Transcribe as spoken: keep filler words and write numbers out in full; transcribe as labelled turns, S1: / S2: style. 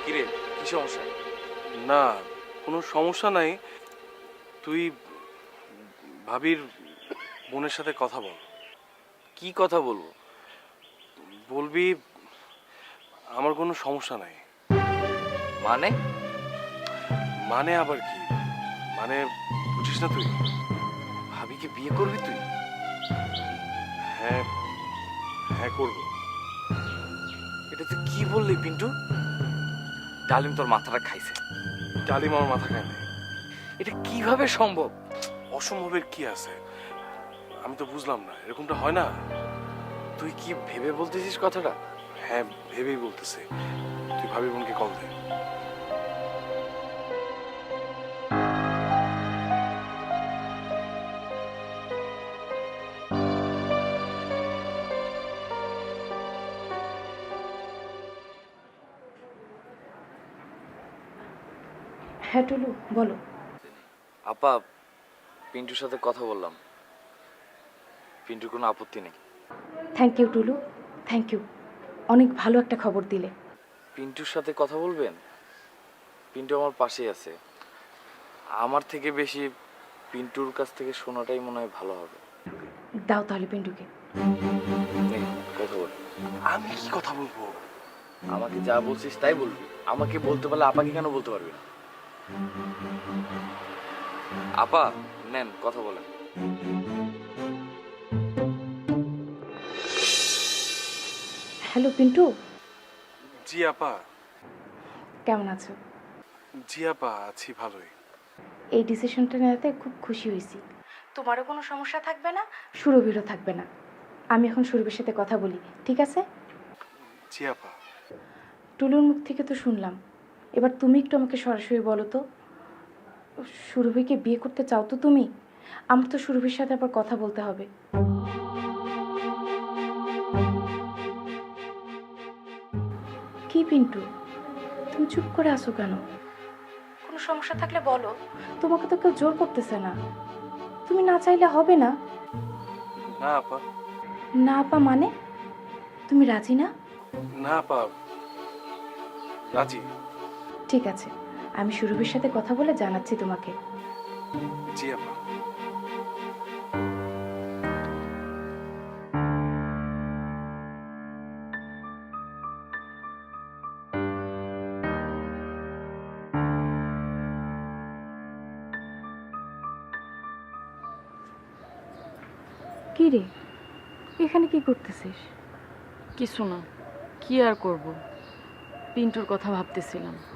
S1: কিরে, কি সমস্যা?
S2: না, কোনো সমস্যা নাই। তুই ভাবির বোনের সাথে কথা বল।
S1: কি কথা বলবো?
S2: বলবি আমার কোনো সমস্যা নাই।
S1: মানে?
S2: মানে আবার কি? মানে বুঝিস না তুই?
S1: ভাবিকে বিয়ে করবি তুই?
S2: হ্যাঁ, হ্যাঁ করবো।
S1: এটা তুই কি বললি পিন্টু? ডালিম তোর মাথাটা খাইছে।
S2: ডালিম আমার মাথা খায় নাই।
S1: এটা কিভাবে সম্ভব?
S2: অসম্ভবের কি আছে? আমি তো বুঝলাম না, এরকমটা হয় না।
S1: তুই কি ভেবে বলতেছিস কথাটা?
S2: হ্যাঁ, ভেবেই বলতেছি। তুই ভাবি বোনকে কল দে।
S3: হ্যাঁ টুলু, বলো।
S1: আপা, পিন্টুর সাথে কথা বললাম। পিন্টুর কোনো আপত্তি নেই।
S3: Thank you Tulu, thank you. অনেক ভালো একটা খবর দিলে।
S1: পিন্টুর সাথে কথা বলবেন? পিন্টু আমার পাশেই আছে। আমার থেকে বেশি পিন্টুর কাছ থেকে শোনাটাই মনে হয় ভালো হবে।
S3: দাও তাহলে পিন্টুকে।
S1: নে, কথা বল।
S2: আমি কি কথা বলবো?
S1: আমাকে যা বলছিস তাই বলবি। আমাকে বলতে পারলে আপাকে কেন বলতে পারবি না? আপা, নেন কথা বলেন।
S3: হ্যালো পিন্টু,
S2: জি আপা।
S3: কেমন আছো?
S2: জি আপা, আছি ভালোই।
S3: এই ডিসিশনটা নেওয়াতে খুব খুশি হয়েছি। তোমারও কোনো সমস্যা থাকবে না, সুরভিরও থাকবে না। আমি এখন সুরভির সাথে কথা বলি, ঠিক আছে?
S2: জি আপা।
S3: টুলুর মুখ থেকে তো শুনলাম, এবার তুমি একটু আমাকে সরাসরি বলো তো, সুরভিকে বিয়ে করতে চাও তো তুমি? আমার তো সুরভির সাথে আবার কথা বলতে হবে। কি পিন্টু, তুমি চুপ করে আছো কেন? কোনো সমস্যা থাকলে বলো, তোমাকে তো কেউ জোর করতেছে না। তুমি না চাইলে হবে না।
S2: না আপা।
S3: না আপা মানে? তুমি রাজি না?
S2: না আপা, রাজি।
S3: ঠিক আছে, আমি সুরভির সাথে কথা বলে জানাচ্ছি তোমাকে।
S2: জি আপা।
S3: কি রে, এখানে কি করতেছিস?
S4: কিছু না, কি আর করব, পিন্টুর কথা ভাবতেছিলাম।